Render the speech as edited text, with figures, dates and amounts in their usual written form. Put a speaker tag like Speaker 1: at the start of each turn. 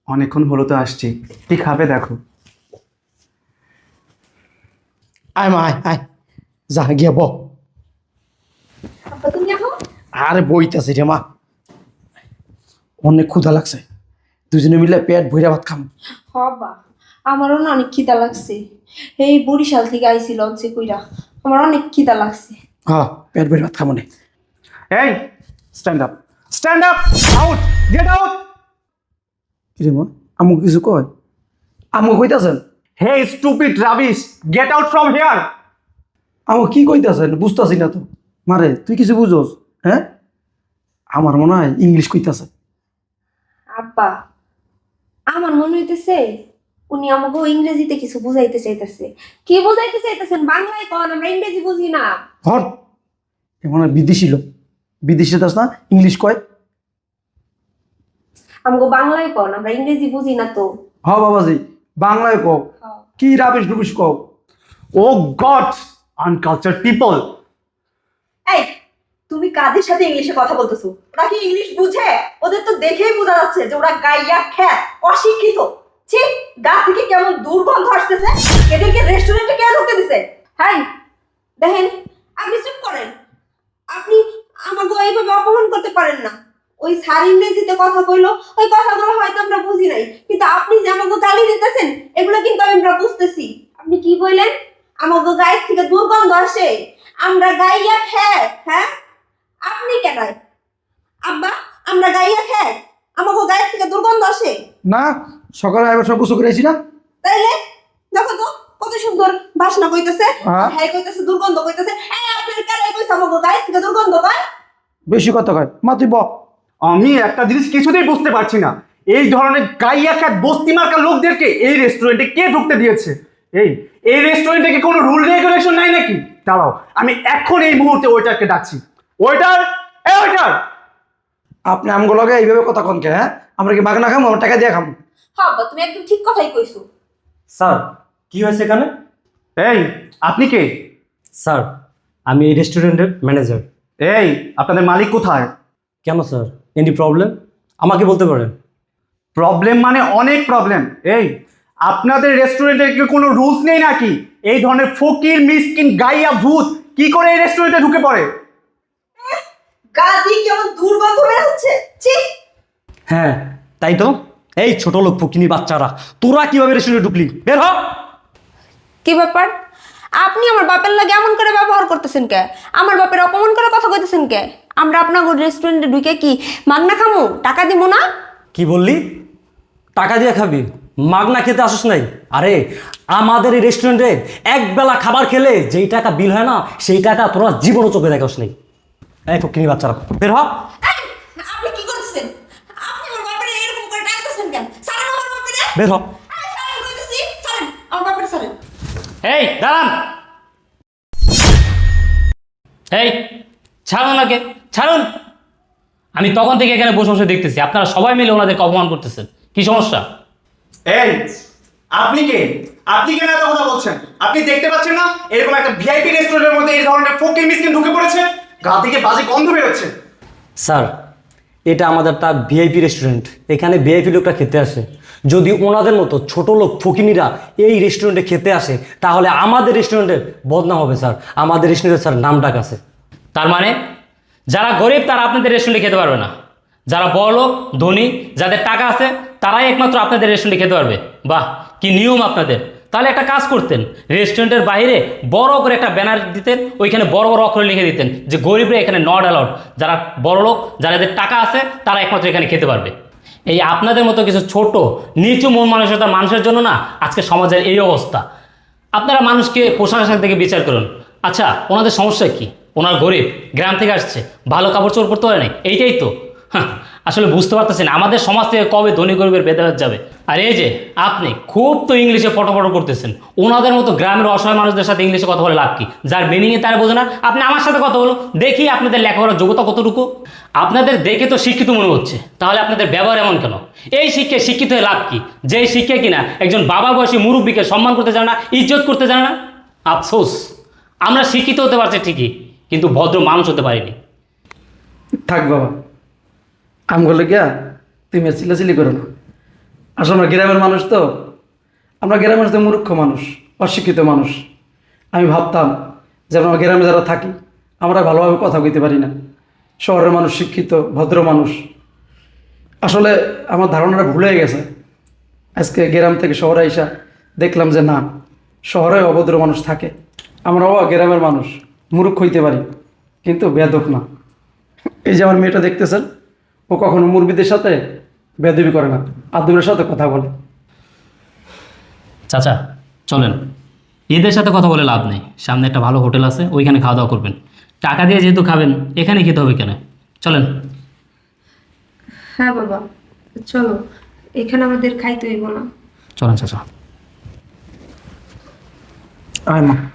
Speaker 1: অনেকক্ষণ হলো তো আসছি, কি খাবে দেখো।
Speaker 2: আয় মা আয় আয়, যা গিয়া ব।
Speaker 3: আব্বা তুমি এখন
Speaker 2: আরে বইতাছি রে মা, অনেক ক্ষুধা লাগছে, দুজনে মিলে পেট ভইরা ভাত খাম।
Speaker 3: হবা আমারও না অনেক খিদা লাগছে। এই বরিশাল থেকে আইছি লঞ্চে কইরা, আমার অনেক খিদা লাগছে।
Speaker 2: হ্যাঁ, পেট ভইরা ভাত খাবো না।
Speaker 1: এই stand up, stand up, out, get out.
Speaker 2: কিরে মা, আমু কিছু কয়? আমু কইতাছেন?
Speaker 1: হে stupid rubbish, get out from here.
Speaker 2: আমু কি কইতাছেন বুঝতাছি না তো। মারে তুই কিছু বুঝোস? হ্যাঁ, আমার মনে হয় ইংলিশ কইতাছে।
Speaker 3: আব্বা আমার মনে হইতেছে উনি আমাকে ইংরেজিতে কিছু বুঝাইতে চাইতেছে। কি বুঝাইতে চাইতেছেন বাংলায় কন, আমরা ইংরেজি বুঝি না।
Speaker 2: হর, এ মনে হয় বিদেশি লোক, বিদেশি দাস না ইংলিশ কয়।
Speaker 3: আমাকে বাংলায় কন, আমরা ইংরেজি বুঝি না তো।
Speaker 2: হ বাবাজি, বাংলায় কও, কি রাবিশ রুবিশ কও।
Speaker 1: Oh God, uncultured people.
Speaker 4: এই, তুমি কাদের সাথে ইংলিশে কথা বলতেছো? ওরা কি ইংলিশ বুঝে? ওদের তো দেখেই বোঝা যাচ্ছে যে ওরা গাইয়া খ্যাত, অশিক্ষিত। ছি, গা থেকে কেমন দুর্গন্ধ আসতেছে। এদেরকে রেস্টুরেন্টে কে ঢুকতে দিছে?
Speaker 3: হাই দেখেন, আপনি চুপ করেন। আপনি আমাকে এইভাবে অপমান করতে পারেন না। ওই স্যার ইংরেজিতে কথা কইলো, ওই কথাগুলো হয়তো আমরা বুঝি নাই, কিন্তু আপনি যে আমাকে গালি দিতেছেন এগুলো কিন্তু আমরা বুঝতেছি। আপনি কি কইলেন? আমাকে গায়ের থেকে দুর্গন্ধ আসে, আমরা গাইয়া খেয়ে। হ্যাঁ, আপনি কেন? আব্বা, আমরা গাইয়া খেয়ে আমাকে গায়ের থেকে দুর্গন্ধ আসে?
Speaker 2: না, সকালে আবার সব কিছু করেছি না।
Speaker 3: তাইলে দেখো তো কত সুন্দর বাসনা কইতেছে,
Speaker 2: হ্যাঁ।
Speaker 3: হ্যাঁ কইতেছে দুর্গন্ধ কইতেছে। এই আপনার কারে কইছে আমাকে গায়ের থেকে দুর্গন্ধ কয়?
Speaker 2: বেশি কথা কয়, মা তুই ব।
Speaker 1: আমি একটা জিনিস কিছুতেই বুঝতে পারছি না, এই ধরনের গাইয়া খ্যাত বস্তি মার্কা লোকদেরকে এই রেস্টুরেন্টে কে ঢুকতে দিয়েছে? এই এই রেস্টুরেন্টে কি কোনো রুল রেগুলেশন নাই নাকি? দাঁড়াও, আমি এখন এই মুহূর্তে ওয়েটারকে ডাকছি। ওয়েটার, এই ওয়েটার।
Speaker 2: আপনি আমগুলো লগে এইভাবে কথা কন কে? হ্যাঁ, আমরা কি মাগনা খামো, আমরা টাকা দিয়ে খামো?
Speaker 3: হ্যাঁ আব্বা, তুমি একদম ঠিক কথাই কইছো।
Speaker 5: স্যার, কি হয়েছে এখানে?
Speaker 1: এই আপনি কে?
Speaker 5: স্যার, আমি এই রেস্টুরেন্টের ম্যানেজার।
Speaker 1: এই আপনাদের মালিক কোথায়?
Speaker 5: কেন স্যার, এনি প্রবলেম? আমাকে বলতে পারেন।
Speaker 1: প্রবলেম মানে অনেক প্রবলেম। এই আপনাদের রেস্টুরেন্টে কি কোনো রুলস নেই নাকি? এই ধরনের ফকির মিসকিন গাইয়া ভূত কি করে এই রেস্টুরেন্টে ঢুকে পড়ে?
Speaker 4: গা দিয়ে কেমন দুর্গন্ধ বের হচ্ছে। ছি,
Speaker 5: হ্যাঁ, তাই তো। এই ছোট লোক ফকিনি বাচ্চারা, তোরা কিভাবে রেস্টুরেন্টে ঢুকলি? বের হ।
Speaker 3: কি ব্যাপার? আপনি আমার বাপের লাগে এমন করে ব্যবহার করতেছেন কে? আমার বাপের অপমান করে কথা কইতেছেন কে? আমরা আপনার রেস্টুরেন্টে ঢুকে কি মাগনা খামু? টাকা দিব না?
Speaker 5: কি বললি? টাকা দিয়ে খাবি? মাগনা খেতে আসিস নাই? আরে আমাদের এই রেস্টুরেন্টে একবেলা খাবার খেলে যেই টাকা বিল হয় না, সেই টাকা তোরা জীবনও চোখে দেখাস নাই। এই ফকিনি বাচ্চারা, বের হ।
Speaker 3: এই, আপনি কি করতেছেন? আপনি আমার বাপের এরকম করে ডাকতেছেন কেন? ছাড়েন আমার বাপের।
Speaker 5: বের হ।
Speaker 3: এই ছাড়েন কইতেছি, ছাড়েন আমার বাপের, ছাড়েন।
Speaker 6: এই দাঁড়ান, এই ছাড়ুন ওনাকে, ছাড়ুন। আমি তখন থেকে এখানে বসে বসে দেখতেছি আপনারা সবাই মিলে ওনাদেরকে অপমান করতেছেন। কি সমস্যা?
Speaker 1: এই আপনি কে? আপনি কেন এত কথা বলছেন? আপনি দেখতে পাচ্ছেন না এরকম একটা ভিআইপি রেস্টুরেন্টের মধ্যে এই ধরনের ফকির মিসকিন ঢুকে পড়েছে? গা থেকে বাজে গন্ধ বেরোচ্ছে।
Speaker 5: স্যার, এটা আমাদের একটা ভিআইপি রেস্টুরেন্ট, এখানে ভিআইপি লোকরা খেতে আসে। যদি ওনাদের মতো ছোট লোক ফকিনিরা এই রেস্টুরেন্টে খেতে আসে, তাহলে আমাদের রেস্টুরেন্টের বদনাম হবে স্যার। আমাদের রেস্টুরেন্টের স্যার নাম ডাক আছে।
Speaker 6: তার মানে যারা গরিব তারা আপনাদের রেস্টুরেন্টে খেতে পারবে না, যারা বড়লোক ধনী যাদের টাকা আছে তারাই একমাত্র আপনাদের রেস্টুরেন্টে খেতে পারবে। বাহ, কি নিয়ম আপনাদের! তাহলে একটা কাজ করতেন, রেস্টুরেন্টের বাইরে বড় করে একটা ব্যানার দিতেন, ওইখানে বড় বড় অক্ষরে লিখে দিতেন যে গরিবরা এখানে নট অ্যালাউড, যারা বড়লোক যাদের টাকা আছে তারা একমাত্র এখানে খেতে পারবে। এই আপনাদের মতো কিছু ছোট নিচু মন মানসিকতার মানুষের জন্য না আজকে সমাজের এই অবস্থা। আপনারা মানুষকে প্রশাসন থেকে বিচার করুন। আচ্ছা, ওনাদের সমস্যা কি? ওনার গরিব, গ্রাম থেকে আসছে, ভালো কাপড় চোপড় পরতে পারে না, এইটাই তো। হ্যাঁ, আসলে বুঝতে পারতেছেন আমাদের সমাজ থেকে কবে ধনী গরিবের ভেদাভেদ যাবে। আর এই যে আপনি খুব তো ইংলিশে পটপট করতেছেন, ওনাদের মতো গ্রামের অসহায় মানুষদের সাথে ইংলিশে কথা বলে লাভ কি? যার মিনিংয়ে তারা বোঝে না, আপনি আমার সাথে কথা বলো, দেখি আপনাদের লেখাপড়ার যোগ্যতা কতটুকু। আপনাদের দেখে তো শিক্ষিত মনে হচ্ছে, তাহলে আপনাদের ব্যবহার এমন কেন? এই শিক্ষায় শিক্ষিত হয়ে লাভ কি? যেই শিক্ষা কিনা একজন বাবা বয়সী মুরব্বীকে সম্মান করতে জানে না, ইজ্জত করতে জানে না। আফসোস, আমরা শিক্ষিত হতে পারছি ঠিকই, কিন্তু ভদ্র মানুষ হতে পারিনি।
Speaker 2: থাক বাবা, আমগুলো গিয়া তুমি আর চিল্লাচিল্লি করো না। আসলে আমরা গ্রামের মানুষ তো, আমরা গ্রামের মানুষ তো মূর্খ মানুষ, অশিক্ষিত মানুষ। আমি ভাবতাম যে আমরা গ্রামে যারা থাকি আমরা ভালোভাবে কথা কইতে পারি না, শহরের মানুষ শিক্ষিত ভদ্র মানুষ। আসলে আমার ধারণাটা ভুলে গেছে। আজকে গ্রাম থেকে শহরে আইসা দেখলাম যে না, শহরে অভদ্র মানুষ থাকে। আমরাও গ্রামের মানুষ মূর্খ হইতে পারি, কিন্তু বেয়াদব না। এই যে আমার মেয়েটা দেখতেছেন, ও কখনো মুরব্বিদের সাথে বেয়াদবি করে না, আদবের সাথে কথা বলে।
Speaker 6: চাচা চলেন, এদের সাথে কথা বলে লাভ নেই। সামনে একটা ভালো হোটেল আছে, ওইখানে খাওয়া দাওয়া করবেন। টাকা দিয়ে যেহেতু খাবেন, এখানে খেতে হবে কেন? চলেন।
Speaker 3: হ্যাঁ বাবা, চলো, এখানে আমাদের খাইতে হইব না।
Speaker 6: চলেন চাচা।
Speaker 2: আয় মা।